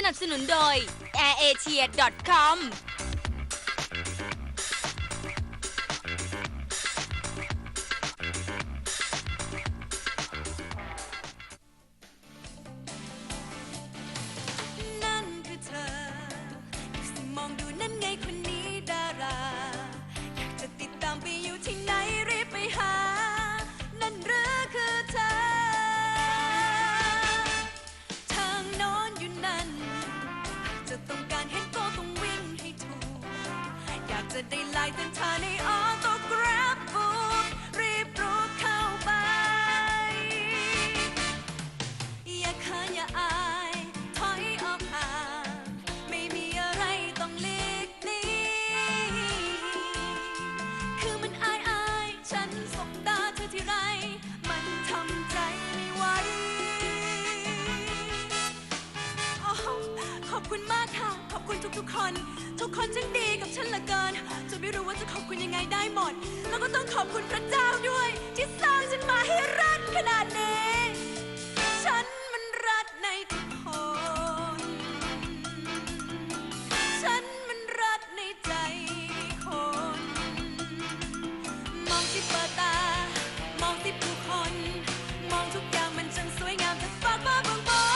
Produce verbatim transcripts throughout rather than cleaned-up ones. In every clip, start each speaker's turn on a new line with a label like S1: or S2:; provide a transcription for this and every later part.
S1: นับสนุนโดย แอร์เอเชีย ดอท คอมนั่นคือเธอสิมองดูนั่นไงคนนี้ดาราอยากจะติดตามไปอยู่ที่ไหนรีบไปหานั่นหรือคือเธอทางโน้นอยู่นั่นจะต้องการเห็นก็ต้องวิ่งให้ถูกอยากจะได้ไลน์เต้นท่าในออโต้กราฟบูรีบรุกเข้าไปอย่าขานอย่าอายถอยออกห่างไม่มีอะไรต้องหลีกหนีคือมันอายอายฉันสบตาเธอที่ไรมันทำใจไม่ไหวโอ้ขอบคุณมากค่ะขอบคุณทุกๆคนทุกคนช่างดีกับฉันเหลือเกินจนไม่รู้ว่าจะขอบคุณยังไงได้หมดแล้วก็ต้องขอบคุณพระเจ้าด้วยที่สร้างฉันมาให้รักขนาดนี้ฉันมันรักในทุกคนฉันมันรักในใจคนมองที่เปิดตามองที่ผู้คนมองทุกอย่างมันช่างสวยงามจากฟ้าฟ้าบนบน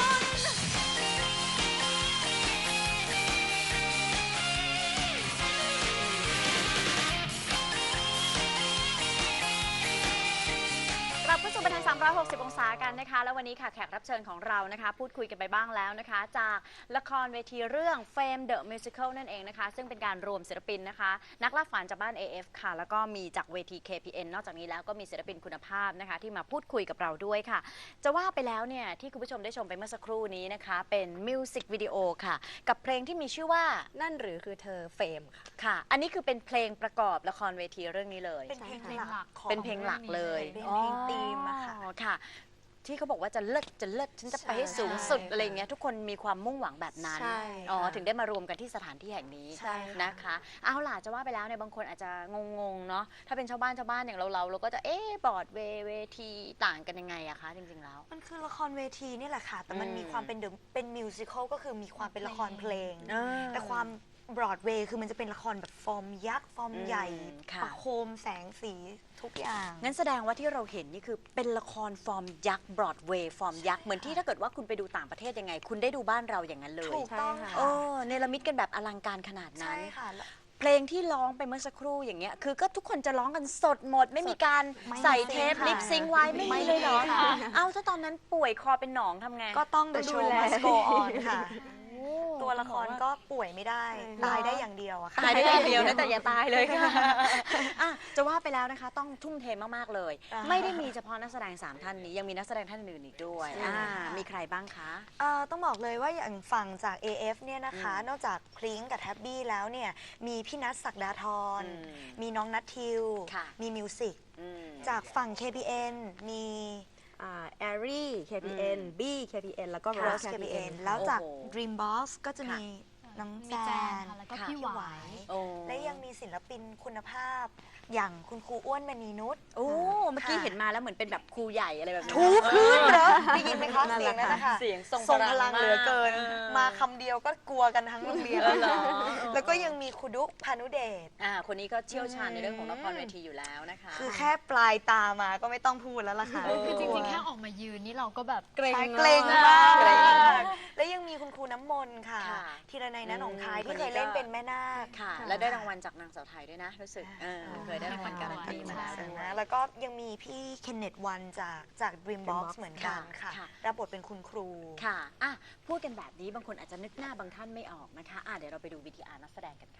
S2: กลับเข้าสู่บันเทิงสามร้อยหกสิบองศากันนะคะแล้ววันนี้ค่ะแขกรับเชิญของเรานะคะพูดคุยกันไปบ้างแล้วนะคะจากละครเวทีเรื่อง Fame the Musical นั่นเองนะคะซึ่งเป็นการรวมศิลปินนะคะนักล่าฝันจากบ้าน เอ เอฟ ค่ะแล้วก็มีจากเวที เค พี เอ็น นอกจากนี้แล้วก็มีศิลปินคุณภาพนะคะที่มาพูดคุยกับเราด้วยค่ะจะว่าไปแล้วเนี่ยที่คุณผู้ชมได้ชมไปเมื่อสักครู่นี้นะคะเป็นมิวสิกวิดีโอค่ะกับเพลงที่มีชื่อว่า
S3: นั่นหรือคือเธอเฟมค่ะ
S2: ค่ะอันนี้คือเป็นเพลงประกอบละครเวทีเรื่องนี้เลย
S3: เป็นเพลงหลักของ
S2: เป็นเพลงหลักเลย
S3: เป็นเพลงธีมอะค่ะ
S2: อ๋อค่ะ ที่เขาบอกว่าจะเลิศจะเลิศฉันจะไปให้สูงสุดอะไรเงี้ยทุกคนมีความมุ่งหวังแบบนั้น
S3: ใช่
S2: อ๋อถึงได้มารวมกันที่สถานที่แห่งนี้
S3: ใช่ค่ะ
S2: นะคะเอาล่ะจะว่าไปแล้วเนี่ยบางคนอาจจะงงๆเนาะถ้าเป็นชาวบ้านชาวบ้านอย่างเราเราเราก็จะเอ๊ะบอร์ดเวเวทีต่างกันยังไงอะคะจริงๆแล้ว
S3: มันคือละครเวทีนี่แหละค่ะแต่มัน
S2: อืม
S3: มีความเป็นเดอะเป็นมิวสิควลก็คือมีความเป็นละครเพลง
S2: อ่า
S3: แต่ความบรอดเวย์คือมันจะเป็นละครแบบฟอร์มยักษ์ฟอร์ม
S2: อืม
S3: ใหญ่
S2: ค่ะ
S3: ประโคมแสงสีทุกอย่าง
S2: งั้นแสดงว่าที่เราเห็นนี่คือเป็นละครฟอร์มยักษ์บรอดเวย์ฟอร์มยักษ์เหมือนที่ถ้าเกิดว่าคุณไปดูต่างประเทศยังไง คุณได้ดูบ้านเราอย่างนั้นเลย
S3: ถูกต้องค่ะ
S2: เออเนรมิตกันแบบอลังการขนาดนั้
S3: ใช่
S2: น
S3: ค่ะแล้ว
S2: เพลงที่ร้องไปเมื่อสักครู่อย่างเงี้ยคือก็ทุกคนจะร้องกันสดหมด ไม่มีการ
S3: ไม่
S2: ใส่
S3: มี
S2: เทป
S3: ค่ะ
S2: ลิปซิงค์ไว้ไม่
S3: ไม่
S2: มีเลยเหรอ
S3: มีค่ะ
S2: เอ้าถ้าตอนนั้นป่วยคอเป็นหนองทำไง
S3: ก็ต้อง The
S2: ดู
S3: Show
S2: แล
S3: Must Go On ค่ะ
S2: โอ้
S3: ตัวละครก็ป่วยไม่ได้ ตายได้อย่างเดียวอะค่ะ
S2: ตายได้อย่างเดียวนะแต่อย่าตายเลยค่ะอ่ะจะว่าไปแล้วนะคะต้องทุ่มเทมากๆเลย
S3: อ่า
S2: ไม่ได้มีเฉพาะนักแสดงสามท่านนี้ยังมีนักแสดงท่านอื่นอีกด้วย
S3: ใช่
S2: อ่า
S3: ค่ะ
S2: มีใครบ้างคะ
S3: เอ่อต้องบอกเลยว่าอย่างฝั่งจาก เอ เอฟ เนี่ยนะคะ
S2: อืม
S3: นอกจากพริ้งกับแท็บบี้แล้วเนี่ยมีพี่นัทศักดาธร
S2: อืม
S3: มีน้องนัททิว
S2: ค่ะ
S3: มีมิวสิก
S2: อืม
S3: จากฝั่ง เค พี เอ็น มี
S4: แอรี่ เค พี เอ็น
S2: อืม
S4: บี เค พี เอ็น แล้วก็
S3: โร
S4: Rose
S3: ส เค พี เอ็น
S4: เค พี เอ็น
S3: แล้วจาก
S2: โอ้โห
S3: Dreambox ก็จะมีน้อง
S5: มี
S3: แจ
S5: แจ
S3: น
S5: นค่ะแล้วก็
S2: ค่ะ
S5: พี่หวาย
S2: โอ้
S3: และยังมีศิลปินคุณภาพอย่างคุณครูอ้วนมณีนุช
S2: โอ้เมื่อกี้เห็นมาแล้วเหมือนเป็นแบบครูใหญ่อะไรแบบนี้
S3: ทุกคืนเหรอได้ยินไหมคะ
S4: นั่น
S3: เสี
S4: แห
S3: ยง
S4: ละ
S3: นั้น
S4: ค่ะ
S3: นะคะ
S2: เสียงทรง
S3: ทรง
S2: พ
S3: พ
S2: ลั
S3: ลั
S2: ง
S3: งเหลือเกิน
S2: มาก
S3: มาคำเดียวก็กลัวกันทั้งโรงเรียน
S2: เออเหรอ
S3: แล้วก็ยังมีครูดุพานุเดช
S2: อ่าคนนี้ก็เชี่ยวชาญในเรื่องของละครเวทีอยู่แล้วนะคะ
S3: คือแค่ปลายตามาก็ไม่ต้องพูดแล้วล่ะค่ะ
S2: เออ
S5: คือจริงๆ แค่ออกมายืนนี่เราก็แบบ
S2: เกรง
S3: ใช่เกรงมาก
S2: เก
S3: เก
S2: ร
S3: รง ง
S2: มาม
S3: าก กและยังมีคุณครูน้ำมนต์ค่ะ
S2: ค่ะ
S3: ธีรนัยณหนองคาย
S2: อืม
S3: ที่เคย
S2: คนนี้ก็
S3: เล่นเป็นแม่นาค
S2: ค่ะ และได้รางวัลจากนางสาวไทยด้วยนะรู้สึกเออเคยได้รางวัลการันตีมาแล้วด้วย
S3: นะแล้วก็ยังมีพี่เคนเนตวันจากจาก Dreambox
S4: Dreambox
S3: เหมือนกัน
S2: ค่ะ
S3: ค่ะ
S2: ค่ะ
S3: รับบทเป็นคุณครู
S2: ค่ะอ่ะ พูดกันแบบนี้บางคนอาจจะนึกหน้าบางท่านไม่ออกนะคะอ่ะเดี๋ยวเราไปดูวีทีอาร์นักแสดงกันค่ะ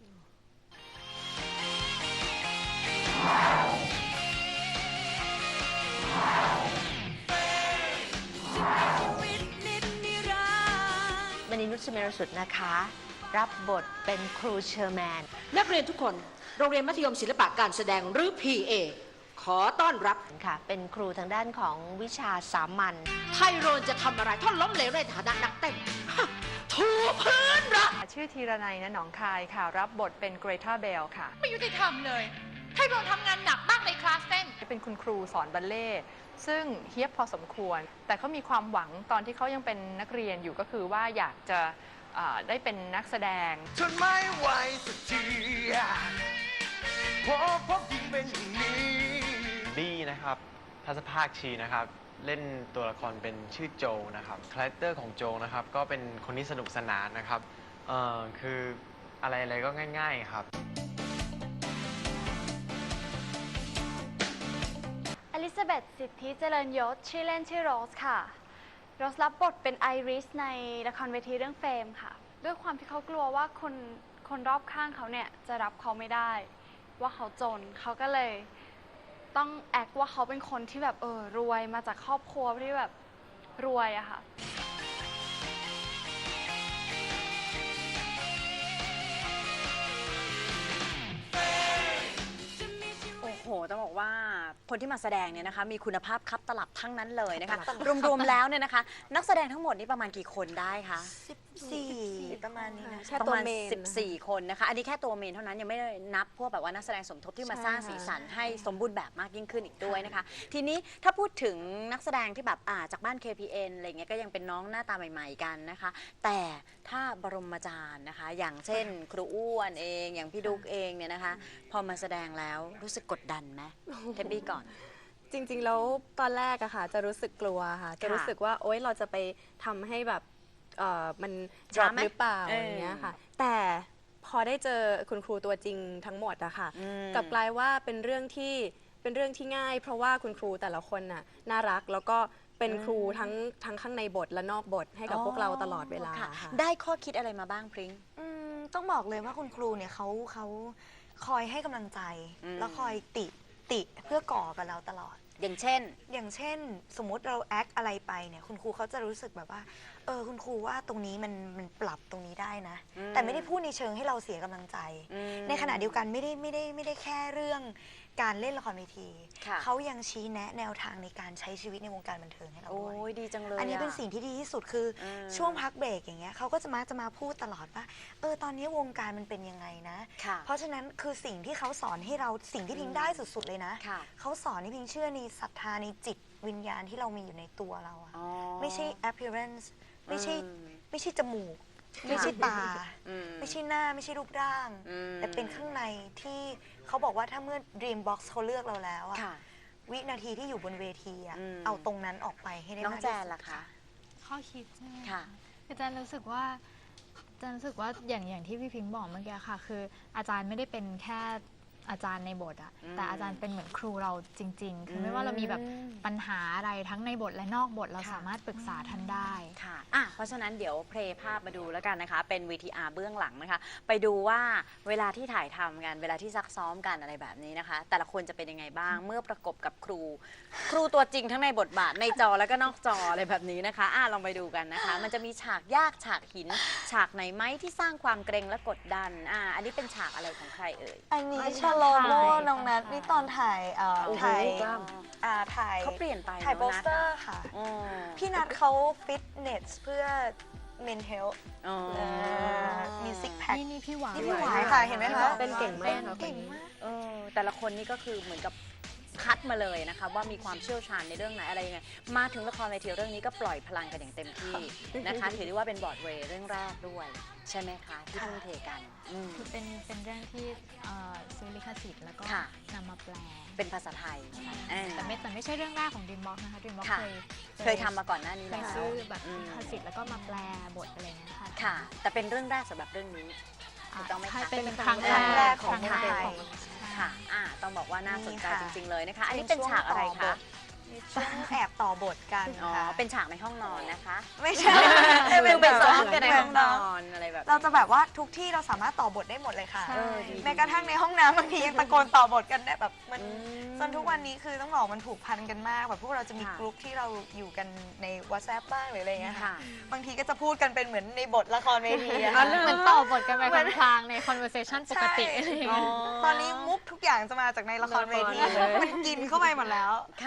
S6: มณีนุชเมรสุดนะคะ รับบทเป็นครูเชอร์แมน
S7: นักเรียนทุกคน โรงเรียนมัธยมศิลปะการแสดงหรือ พี เอ ขอต้อนรับ
S6: ค่ะ เป็นครูทางด้านของวิชาสามัญ
S7: ไทโรนจะทำอะไรถ้าล้มเหลวในฐานะนักเต้นฮะถูพื้นละ
S8: ชื่อธีรนัยณหนองคายค่ะ รับบทเป็นเกรทาเบลค่ะ
S5: ไม่ยุติธรรมเลย
S8: ให้เราทำงานหนักมากในคลาสเต้น
S9: เป็นคุณครูสอนบัลเล่ต์ซึ่งเฮี้ยบพอสมควร แต่เขามีความหวังตอนที่เขายังเป็นนักเรียนอยู่ก็คือว่าอยากจะอ่าได้เป็นนักแสดง
S10: ทนไม่ไหวสักทีเพราะพบยิ่งเป็นอย่างนี้
S11: บี้นะครับทัศภาคชีนะครับเล่นตัวละครเป็นชื่อโจนะครับคาแรคเตอร์ของโจนะครับก็เป็นคนที่สนุกสนานนะครับเอ่อคืออะไรอะไรก็ง่ายๆครับ
S12: อลิซาเบธ สิทธิเจริญยศ ชื่อเล่นชื่อโรสค่ะ โรสรับบทเป็นไอริสในละครเวทีเรื่องเฟมค่ะ ด้วยความที่เขากลัวว่าคนคนรอบข้างเขาเนี่ยจะรับเขาไม่ได้ ว่าเขาจน เขาก็เลยต้องแอคว่าเขาเป็นคนที่แบบเออรวยมาจากครอบครัวที่แบบรวยอะค่ะ
S2: โอ้โห ต้องบอกว่าคนที่มาแสดงเนี่ยนะคะมีคุณภาพคับตลับทั้งนั้นเลยนะคะ รวมๆแล้วเนี่ยนะคะ นักแสดงทั้งหมดนี่ประมาณกี่คนได้คะ
S3: สิบสี่ประมาณนี้นะ
S4: แค่
S2: ประ
S4: ตัว
S2: มาณ
S4: เมน
S2: สิบสี่ คนนะคะ อันนี้แค่ตัวเมนเท่านั้นยังไม่ได้นับพวกแบบว่านักแสดงสมทบที่มา
S4: ใช่
S2: สร้างสีสันให้สมบูรณ์แบบมากยิ่งขึ้นอีกด้วยนะคะ ทีนี้ถ้าพูดถึงนักแสดงที่แบบอ่าจากบ้าน เค พี เอ็น อะไรเงี้ยก็ยังเป็นน้องหน้าตาใหม่ๆกันนะคะ แต่ถ้าบรมอาจารย์นะคะ อย่างเช่น ครูอ้วนเองอย่างพี่ดุ๊กเองเนี่ยนะคะ พอมาแสดงแล้วรู้สึกกดดันไหมเทปปี้ก่อน
S4: จริงๆแล้วตอนแรกอะค่ะจะรู้สึกกลัวค่ะ จะรู้สึกว่าโอ๊ยเราจะไปทำให้แบบเอ่อมัน
S2: ช้า
S4: drop
S2: ไหม
S4: หรือเปล่า
S2: เอออ
S4: อย่างเงี้ยค่ะ แต่พอได้เจอคุณครูตัวจริงทั้งหมดอะค่ะ
S2: อืม
S4: กลับกลายว่าเป็นเรื่องที่เป็นเรื่องที่ง่าย เพราะว่าคุณครูแต่ละคนน่ะน่ารักแล้วก็เป็นครูทั้งทั้งข้างในบทและนอกบทให้กับพวกเราตลอดเวลา
S2: ค่ะ
S4: ค่ะ
S2: ได้ข้อคิดอะไรมาบ้างพริ้ง
S3: อืมต้องบอกเลยว่าคุณครูเนี่ยเขาเขาคอยให้กำลังใจ
S2: อืม
S3: แล้วคอยติติเพื่อก่อกับเราตลอด
S2: อย่างเช่น
S3: อย่างเช่น สมมุติเราแอคอะไรไปเนี่ยคุณครูเขาจะรู้สึกแบบว่าเออคุณครูว่าตรงนี้มันมันปรับตรงนี้ได้นะ
S2: อืม
S3: แต่ไม่ได้พูดในเชิงให้เราเสียกำลังใจ
S2: อืม
S3: ในขณะเดียวกันไม่ได้ไม่ได้ไม่ได้แค่เรื่องการเล่นละครเวที
S2: ค่ะ
S3: เขายังชี้แนะแนวทางในการใช้ชีวิตในวงการบันเทิงให้เรา
S2: โอ้
S3: ด้วย
S2: ยดีจังเลย
S3: อันนี้เป็น
S2: อะ
S3: สิ่งที่ดีที่สุดคืออ
S2: ม
S3: ช่วงพักเบรกอย่างเงี้ยเขาก็จะมาจะมาพูดตลอดว่าเออตอนนี้วงการมันเป็นยังไงนะ
S2: ค่ะ
S3: เพราะฉะนั้นคือสิ่งที่เขาสอนให้เราสิ่งที่พิงได้สุดๆเลยนะ
S2: ค่ะ
S3: เขาสอนให้พิงเชื่อในศรัทธาในจิตวิญญาณที่เรามีอยู่ในตัวเราอะ
S2: อ๋อ
S3: ไม่ใช่ appearance ไม่ใช่
S2: อืม
S3: ไม่ใช่จมูก ไม่ใช่ตา
S2: อืม
S3: ไม่ใช่หน้าไม่ใช่รูปร่าง
S2: อืม
S3: แต่เป็นข้างในที่เขาบอกว่าถ้าเมื่อ Dream Box เขาเลือกเราแล้วอะ
S2: ค่ะ
S3: วินาทีที่อยู่บนเวทีอะ
S2: อืม
S3: เอาตรงนั้นออกไปให้ได้
S2: น้อง
S3: มาก
S2: แจ
S3: ที่
S2: น
S3: สุด
S2: ล่ะคะ
S5: ข้อคิดใช่ไหม
S2: ค่ะ
S5: คืออาจารย์รู้สึกว่าอาจารย์รู้สึกว่าอย่างอย่างที่พี่พิงค์บอกเมื่อกี้ค่ะ คืออาจารย์ไม่ได้เป็นแค่อาจารย์ในบทอะ
S2: อืม
S5: แต่อาจารย์เป็นเหมือนครูเราจริง ๆ คือไม่ว่าเรามีแบบปัญหาอะไรทั้งในบทและนอกบทเรา
S2: ค่ะ
S5: สามารถปรึกษาท่านได้
S2: ค่ะอ่ะ เพราะฉะนั้นเดี๋ยวเพลย์ภาพมาดูแล้วกันนะคะ เป็น วี ที อาร์ เบื้องหลังนะคะ ไปดูว่าเวลาที่ถ่ายทำกัน เวลาที่ซักซ้อมกันอะไรแบบนี้นะคะ แต่ละคนจะเป็นยังไงบ้าง เมื่อประกบกับครู ครูตัวจริงทั้งในบทบาทในจอแล้วก็นอกจออะไรแบบนี้นะคะ อ่ะ ลองไปดูกันนะคะ มันจะมีฉากยากฉากหิน ฉากไหนไหมที่สร้างความเกรงและกดดัน อ่ะ อันนี้เป็นฉากอะไรของใครเอ่ย
S3: อันนี้ชาโลโมน้องนัทนี่ตอนถ่ายเอ่อ
S2: โอ้โห
S3: ถ่าย
S2: กล้าม
S3: อ่าถ่าย
S2: เขาเปลี่ยนไป
S3: ถ่าย
S2: น้
S3: โป
S2: อง
S3: ส
S2: นัท
S3: เตอ
S2: อะ
S3: ร์ค่ะ
S2: อ๋อ
S3: พี่นัทเขาฟิตเนสเพื่อ men health
S2: อ๋อ
S3: เอ่อมีซิกแพค
S5: นี่นี่พี่หวาย
S3: นี่พี่หวายค่ะเห็นไหมคะ
S4: เป็นเก่งมากค่ะ
S3: เก่งมาก
S2: เออแต่ละคนนี่ก็คือเหมือนกับคัดมาเลยนะคะว่ามีความเชี่ยวชาญในเรื่องไหนอะไรยังไงมาถึงละครเวทีเรื่องนี้ก็ปล่อยพลังกันอย่างเต็มที่นะคะถือได้ว่าเป็นบรอดเวย์เรื่องแรกด้วย ใช่ไหมคะที่ทุ่มเทกันอืม
S5: คือเป็นเป็นเรื่องที่เอ่อซื้อลิขสิทธิ์แล้วก็
S2: ค่ะ
S5: นำมาแปล
S2: เป็นภาษาไทยเออ
S5: แต่ไม่แต่ไม่ใช่เรื่องแรกของ Dreambox นะคะ Dreambox
S2: ค่ะ
S5: เคย
S2: เคยทำมาก่อนหน้านี้
S5: เค
S2: แล้
S5: ยว ซื้อแบบ
S2: อืม
S5: ลิขสิทธิ์แล้วก็มาแปลบทอะไรอย่างเงี้ยค่ะ
S2: ค่ะ แต่เป็นเรื่องแรกสำหรับเรื่องนี้ ถูกต้องไหมคะ
S5: ใช่เป็น
S3: เป็น
S5: ครั้ง
S3: ครั้ง
S5: แร
S3: แร
S5: ก
S3: กของ
S5: ครั้งแรก
S3: ไทย
S5: ของ
S2: ค่ะอ่าต้องบอกว่าน่าสนใจ
S3: นี่ค่ะ
S2: จริง ๆ เลยนะคะ อันนี้เป็นฉากอะไรคะ
S3: มีช่วงแอบต่อบทกัน
S2: อ๋อ
S3: ค่ะ
S2: เป็นฉากในห้องนอนนะคะ
S3: ไม่ใช่
S2: คือเป็นซ้อมกันใน
S3: เหมื
S2: ห้องนอนอะไรแบบนี้
S3: เราจะแบบว่าทุกที่เราสามารถต่อบทได้หมดเลยค่ะ
S5: ใช่
S2: เออดี
S3: แม้กระทั่งในห้องน้ำบางทียังตะโกนต่อบทกันได้แบบมัน
S2: อืม
S3: จนทุกวันนี้คือต้องบอกมันผูกพันกันมากแบบพวกเราจะมี
S2: ค่ะ
S3: กลุ่มที่เราอยู่กันใน WhatsApp บ้างหรืออะไรเงี้ยค่ะ
S2: ค่ะ
S3: บางทีก็จะพูดกันเป็นเหมือนในบทละครเวทีอะ
S5: เห
S3: ค่ะ
S5: มือนต่อบทกันไปพลางๆใน conversation ปกติ
S3: ใช่
S5: อะไรอย่าง
S2: อ๋อ
S5: เงี้ย
S3: ตอนนี้มุกทุกอย่างจะมาจากในละครเวที
S2: ละครเลย
S3: มันกินเข้าไปหมดแล้ว
S2: ค่ะ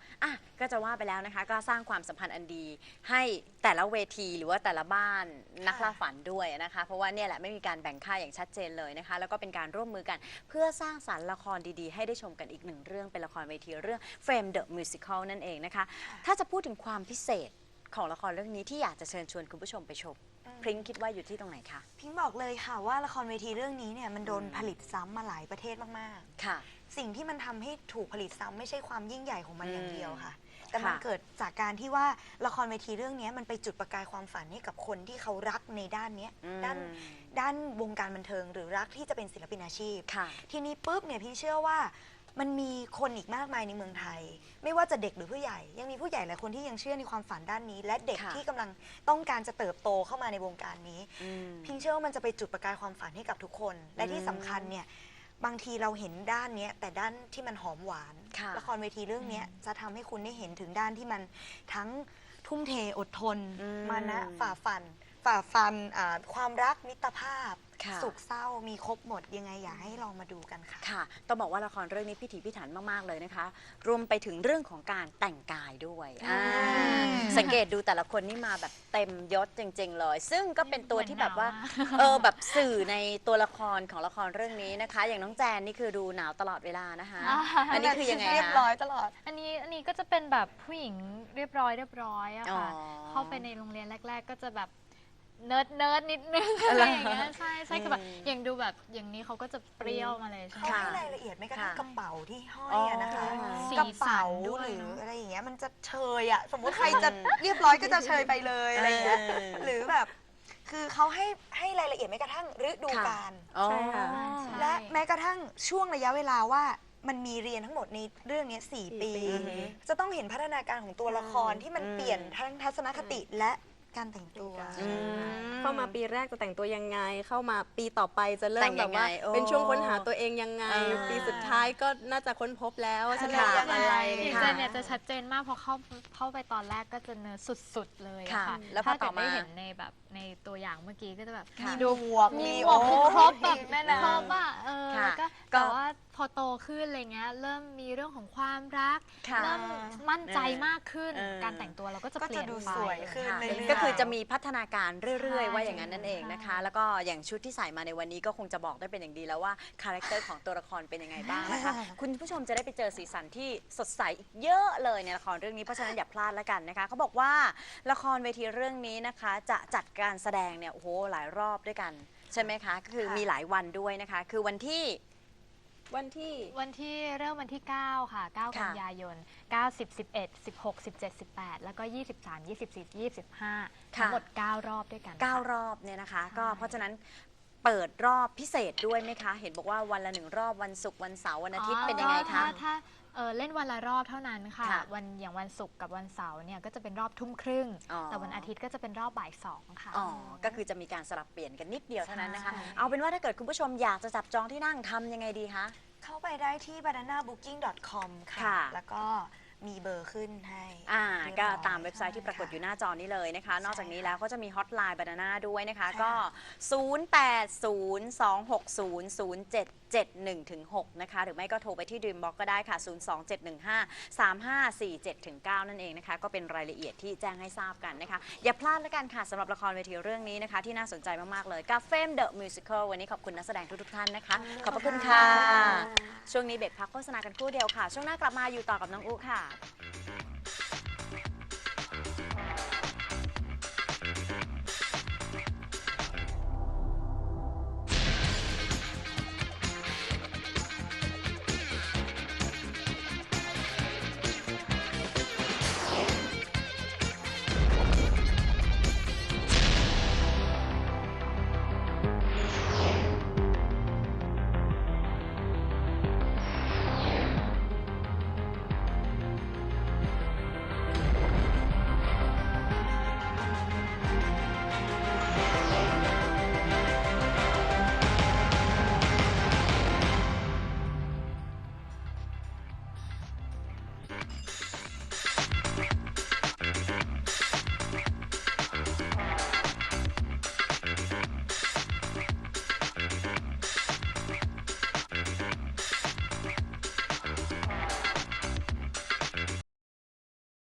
S2: อ่ะก็จะว่าไปแล้วนะคะก็สร้างความสัมพันธ์อันดีให้แต่ละเวทีหรือว่าแต่ละบ้านนักล่าฝันด้วยนะคะเพราะว่าเนี่ยแหละไม่มีการแบ่งค่ายอย่างชัดเจนเลยนะคะแล้วก็เป็นการร่วมมือกันเพื่อสร้างสรรค์ละครดีๆให้ได้ชมกันอีกหนึ่งเรื่องเป็นละครเวทีเรื่อง Fame the Musical นั่นเองนะคะถ้าจะพูดถึงความพิเศษของละครเรื่องนี้ที่อยากจะเชิญชวนคุณผู้ชมไปชมพริ้งคิดว่าอยู่ที่ตรงไหนคะ
S3: พิงบอกเลยค่ะว่าละครเวทีเรื่องนี้เนี่ยมันโดนผลิตซ้ำมาหลายประเทศมาก
S2: ๆค่ะ
S3: สิ่งที่มันทำให้ถูกผลิตซ้ำไม่ใช่ความยิ่งใหญ่ของมันอย่างเดียวค่ะ แต่มัน
S2: ค่ะ
S3: เกิดจากการที่ว่าละครเวทีเรื่องนี้มันไปจุดประกายความฝันให้กับคนที่เขารักในด้านเนี้ย
S2: อืม
S3: ด้านด้านวงการบันเทิงหรือรักที่จะเป็นศิลปินอาชีพ
S2: ค่ะ
S3: ทีนี้ปุ๊บเนี่ยพี่เชื่อว่ามันมีคนอีกมากมายในเมืองไทย ไม่ว่าจะเด็กหรือผู้ใหญ่ ยังมีผู้ใหญ่หลายคนที่ยังเชื่อในความฝันด้านนี้ และเด็ก
S2: ค่ะ
S3: ที่กำลังต้องการจะเติบโตเข้ามาในวงการนี้
S2: อืม
S3: พิงเชื่อว่ามันจะไปจุดประกายความฝันให้กับทุกคน และที่สำคัญเนี่ยบางทีเราเห็นด้านเนี้ยแต่ด้านที่มันหอมหวาน
S2: ค่ะ
S3: ละครเวทีเรื่องเนี้ยจะทำให้คุณได้เห็นถึงด้านที่มันทั้งทุ่มเทอดทน
S2: อืม
S3: มานะฝ่าฟัน ฝ่าฟันอ่าความรักมิตรภาพ
S2: ค่ะ
S3: สุขเศร้ามีครบหมดยังไงอยากให้ลองมาดูกันค่ะ
S2: ค่ะต้องบอกว่าละครเรื่องนี้พิถีพิถันมากๆเลยนะคะ รวมไปถึงเรื่องของการแต่งกายด้วยอ่าสังเกตดูแต่ละคนนี่มาแบบเต็มยศจริงๆเลย ซึ่งก็เป็นตัวที่แบบว่าเออแบบสื่อในตัวละครของละครเรื่องนี้นะคะ อย่างน้องแจนนี่คือดูหนาวตลอดเวลานะคะ
S5: อ่า
S2: อันนี้คือยังไง
S3: เรียบ
S2: คะ
S3: ร้อยตลอด
S5: อันนี้อันนี้ก็จะเป็นแบบผู้หญิงเรียบร้อยเรียบร้อยอะค่ะ
S2: อ๋อ
S5: เข้าไปในโรงเรียนแรก ๆ ก็จะแบบเนิร์ดเนิร์ดนิดนึงอะไรอย่างเงี้ยใช่ใช่คือแบบอย่างดูแบบอย่างนี้เขาก็จะเปรี้ยวมาเลยใช่ไหม
S3: เขา
S5: คะ
S3: ให้รายละเอียดไม่กระทั่ง
S2: ค่ะ
S3: กระเป๋าที่ห้อยอะนะคะ
S2: อ๋อ
S3: กระเป๋า
S5: สีสันด้วย
S3: หรือ
S5: เนอะ
S3: อะไรอย่างเงี้ยมันจะเชยอะสมมุติใครจะเรียบร้อยก็จะเชยไปเลยอะไรอย่างเงี้ย
S2: เออ
S3: หรือแบบคือเขาให้ให้รายละเอียดไม่กระทั่งฤดูกาล
S2: อ๋อ
S4: ใช่ค่ะ
S3: และแม้กระทั่งช่วงระยะเวลาว่ามันมีเรียนทั้งหมดในเรื่องนี้สี่ปี จะต้องเห็นพัฒนาการของตัวละครที่มันเปลี่ยนทั้งทัศนคติและการแต่งตัว
S2: อืม
S4: เข้ามาปีแรกจะแต่งตัวยังไง เข้ามาปีต่อไปจะเริ่
S2: แต่
S4: ม
S2: ง
S4: แบ
S2: ยั
S4: บ
S2: งไง
S4: ว่า
S2: โอ้
S4: เป็นช่วงค้นหาตัวเองยังไง
S2: อ่า
S4: ปีสุดท้ายก็น่าจะค้นพบแล้วว่าฉัน
S3: ค่ะ
S4: อยากอะไร
S5: อย่าง
S2: ค่ะ
S5: เจนเนี่ยจะชัดเจนมากเพราะเข้าเข้าไปตอนแรกก็จะเนิร์ดสุดๆเลยอะ
S2: ค่ะ
S5: ค่ะ
S2: แล้วพอ
S5: ถ้า
S2: ต่
S5: เกิ
S2: อ
S5: ด
S2: มา
S5: ได้เห็นในแบบในตัวอย่างเมื่อกี้ก็จะแบบ
S2: ค่ะ
S3: ดูหมวก
S5: มี
S3: มี
S5: หมวกคือครบแบบ
S3: แน่นอน
S5: ครบอะเออ
S2: ค่ะ
S5: ก็
S2: ก็
S5: แต่ว่าพอโตขึ้นอะไรเงี้ยเริ่มมีเรื่องของความรัก
S2: ค่ะ
S5: เริ่มมั่นใจมากขึ้น
S2: เออ
S5: การแต่งตัวเราก็จะ
S3: ก็
S5: เปลี่
S3: จะ
S5: ยน
S3: ดู
S5: ไป
S3: สวยขึ้น
S2: ค่ะ
S3: เรื่อยๆ
S2: ก็คือจะมีพัฒนาการเรื่อย
S5: ใช่
S2: ๆ ว่าอย่างนั้นนั่นเองนะคะ แล้วก็อย่างชุดที่ใส่มาในวันนี้ก็คงจะบอกได้เป็นอย่างดีแล้วว่าคาแรคเตอร์ของตัวละครเป็นยังไงบ้างนะคะ คุณผู้ชมจะได้ไปเจอสีสันที่สดใสอีกเยอะเลยในละครเรื่องนี้เพราะฉะนั้นอย่าพลาดแล้วกันนะคะเขาบอกว่าละครเวทีเรื่องนี้นะคะจะจัดการแสดงเนี่ยโอ้โหหลายรอบด้วยกันใช่ไหมคะก็คือมีหลายวันด้วยนะคะ คือวันที่
S4: วันที่
S5: วันที่เริ่มวันที่ เก้า ค่ะ เก้า กันยายน เก้า สิบ สิบเอ็ด สิบหก สิบเจ็ด สิบแปด แล้วก็ ยี่สิบสาม ยี่สิบสี่ ยี่สิบห้า
S2: ค่ะ
S5: ทั้งหมด เก้า รอบด้วยกัน
S2: เก้า
S5: ค่ะ
S2: รอบเนี่ยนะคะ
S5: ใช่
S2: ก็เพราะฉะนั้นเปิดรอบพิเศษด้วยไหมคะ เห็นบอกว่าวันละหนึ่งรอบวันศุกร์วันเสาร์วันอาทิตย์เป็นยังไง
S5: ก็
S2: คะ
S5: ถ้าถ้าเอ่อเล่นวันละรอบเท่านั้นค่ะ
S2: ค่ะ
S5: วันอย่างวันศุกร์กับวันเสาร์เนี่ยก็จะเป็นรอบทุ่มครึ่ง
S2: อ๋อ
S5: แต่วันอาทิตย์ก็จะเป็นรอบบ่ายสองค่ะ
S2: อ๋อ ก็คือจะมีการสลับเปลี่ยนกันนิดเดียวเท่านั้นนะคะ
S5: ใช่
S2: เอาเป็นว่าถ้าเกิดคุณผู้ชมอยากจะจับจองที่นั่งทำยังไงดีคะ
S3: เข้าไปได้ที่ banana booking dot com ค่ะ
S2: ค่ะ
S3: แล้วก็มีเบอร์ขึ้นให้
S2: อ่า
S3: เรียบ
S2: ก็
S3: ร้อย
S2: ตามเว็บไซต์ที่ปรากฏอยู่หน้าจอนี้เลยนะคะ นอกจากนี้
S3: ใช่ค่ะ
S2: แล้วก็จะมีฮอตไลน์บานาน่าด้วยนะคะ
S3: ใช่
S2: ก็
S3: ค่ะ
S2: ศูนย์ แปด ศูนย์ สอง หก ศูนย์ ศูนย์ เจ็ด เจ็ด หนึ่ง ถึง หก นะคะ หรือไม่ก็โทรไปที่ Dreambox ก็ได้ค่ะ ศูนย์ สอง เจ็ด หนึ่ง ห้า สาม ห้า สี่ เจ็ด ถึง เก้า นั่นเองนะคะ ก็เป็นรายละเอียดที่แจ้งให้ทราบกันนะคะ อย่าพลาดแล้วกันค่ะสำหรับละครเวทีเรื่องนี้นะคะ ที่น่าสนใจมากๆเลยกับ Fame the Musical วันนี้ขอบคุณนักแสดงทุกๆท่านนะคะ ขอบพระคุณค่ะ ช่วงนี้เบรกพักโฆษณากันครู่เดียวค่ะ ช่วงหน้ากลับมาอยู่ต่อกับน้องอุค่ะ